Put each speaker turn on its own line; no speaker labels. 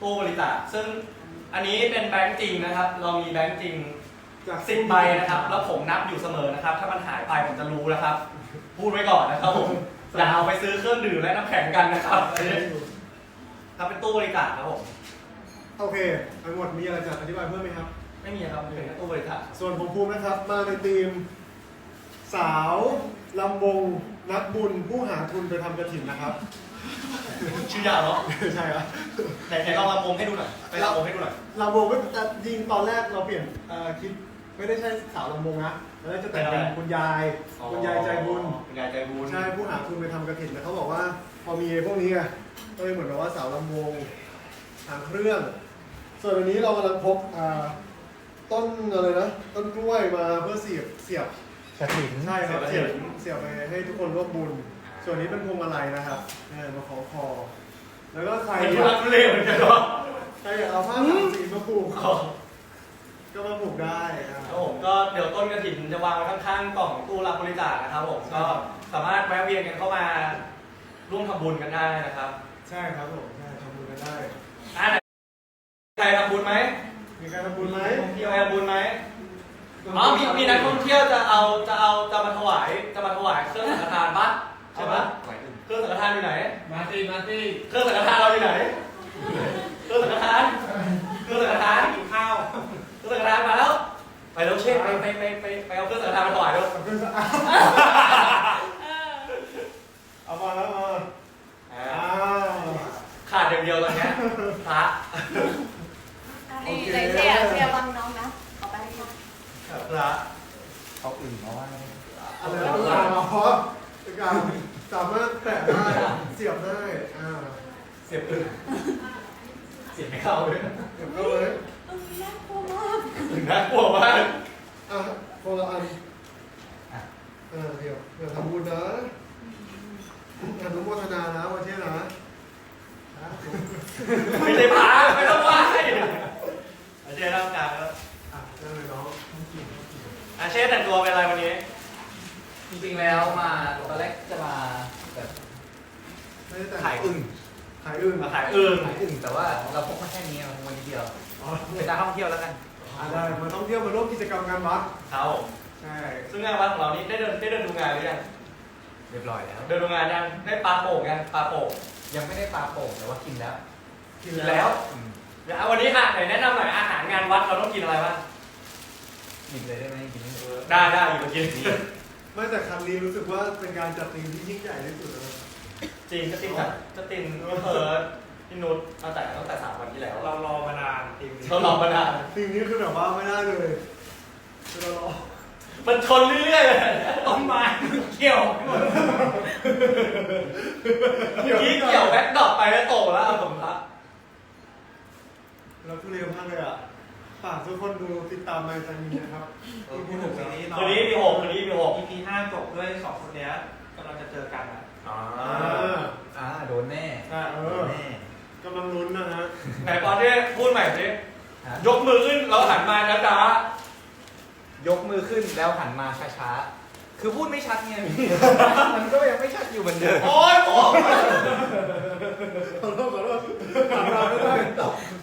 ตู้บริจาคซึ่งอันนี้เป็นแบงค์จริงนะครับเรามีแบงค์จริง
จาก
10 ใบนะครับแล้วผมนับอยู่เสมอนะครับถ้ามันหายไปผมจะรู้นะครับพูดไว้ก่อนนะครับผมอย่าเอาไปซื้อเครื่องดื่มและน้ำแข็งกันนะครับถ้าเป็นตู้บริจาคครับผม
โอเคทั้งหมดมีอะไรจะอธิบายเพิ่มไหมครับ
ไม่มีครับเป็นแค่ตู้บริจาค
ส่วนผมภูมินะครับมาในทีมสาวลำวงนักบุญผู้หาทุนไปทำกฐินนะครับ
ชื่อยาวเนาะ
ใช่ครับ
ไหนลองลำวงให้ดูหน่อยไปลำวงให้ดูหน่อย
ลำวงก็แต่จริงตอนแรกเราเปลี่ยนคิดไม่ได้ใช่สาวลำวงนะแล้วจะแต่งเป็นคุณยายใจบุญ
คุณยายใจบุญ
ใช่ผู้หาทุนไปทำกฐินแต่เขาบอกว่าพอมีพวกนี้ไงก็เลยเหมือนกับว่าสาวลำวงทางเครื่องส่วนอันนี้เรากำลังพกต้นอะไรนะต้นกล้วยมาเพื่อเสียบ
กฐิน
ใช่ครับเสียบไปให้ทุกคนร่วมบุญส่วนนี้เป็นพวงมาลัยนะครับมาของคอแล้วก็ใคร
อยากเล่นเหมือนกันเนาะ
ใครอยากเอาผ้าสามสีมาผูกก็มาผูกได้
ครับผมก็เดี๋ยวต้นกฐินจะวางไว้ข้างๆกล่องตู้รับบริจาคนะครับผมก็สามารถแวะเวียนกันเข้ามาร่วมทำบุญกันได้นะครับ
ใช่ครับผมใช่ทำบุญกันได้
ใครทำบุญไหม
มีใครทำบุญไหม
มีใครทำบุญไหมอ๋อมีนักท่องเที่ยวจะมาถวายเครื่องสังฆทานปะใช่ปะเครื่องสังฆทานอยู่ไหน
มาสิ
เครื่องสังฆทานเราอยู่ไหนเครื่องสังฆทาน
กินข้าว
เครื่องสังฆทานมาแล้วไปแล้วเช่นไปเอาเครื่องสังฆทานมาถวายด้วย
เอามาแล้วมา
ขาดอย่างเดียวตอนนี้พระ
นี่ไหนเชียร์บังน้องนะเอาไปให้ค่ะ
พระ
เอาอื่นมาว่า
อะไรเพราะการสามารถแตะได้เสียบได้
เสียบอึ่งเสียบไม่เข้าเลย
เสียบเข้าเลย
น่ากลัวมาก
คนละอันเดี๋ยวทำบุญนะอนุโมทนานะวันเช่นนะ
ไม่ใช่พระไม่ต้องไหว้อาเช่ร่างกายแล้ว
นั่นเลยน้อง
อาเช่แต่งตัวเป็นอะไรวันนี้
จริงๆแล้วมาตอนแรกจะมาแบบขายอึ่ง
มาขายอึ่ง
แต่ว่าเราพกมาแค่นี้วันเดียวเป็นการท่องเที่ยวแล้วกัน
ได้มาท่องเที่ยวมาร่วมกิจกรรมงานวัด
เขา
ใช่
ซึ่งงานวัดของเรานี้ได้เดินดูงานหรือยัง
เรียบร้อยแล้ว
เดินดูงานยังได้ปลาโป่งยังปลาโป่ง
ยังไม่ได้ปลาโป่งแต่ว่ากินแล้ว
เดี๋ยววันนี้ไหนแนะนำหน่อยอาหารงานวัดเราต้องกินอะไรบ้าง
กินเลยได้ไหมกิน
ได้อยู่กิน
ไม่แต่ครั้งนี้รู้สึกว่าเป็นการจัดทีมที่ยิ่งใหญ่ที่สุดเลย
จริงจะตินพี่นุชตั้งแต่3 วันที่แล้ว
เรารอมานาน
ทีม
นี้คือแบบว่าไม่ได้เลยเรารอ
มันชนเรื่อย
ๆต้นไม้เกี่ยว
เกี่ยวแบ็คดอกไปแล้วโตแล้วผมละ
เราทุเรศมากเลยฝากทุกคนดูติดตามมาจากนี้นะครับ
คืนนี้มี6
EP 5 จบด้วย2 คนนี้กำลังจะเจอกันโดนแน่
กำลังลุ้นนะฮะ
ไหนปอนที่พูดใหม่สิยกมือขึ้นแล้วหันมาช้าย
กมือขึ้นแล้วหันมาช้าๆคือพูดไม่ชัดไงมันก็ยังไม่ชัดอยู่เหมือนเดิม
โอ๊ย
ขอโทษหันมาไม่ได้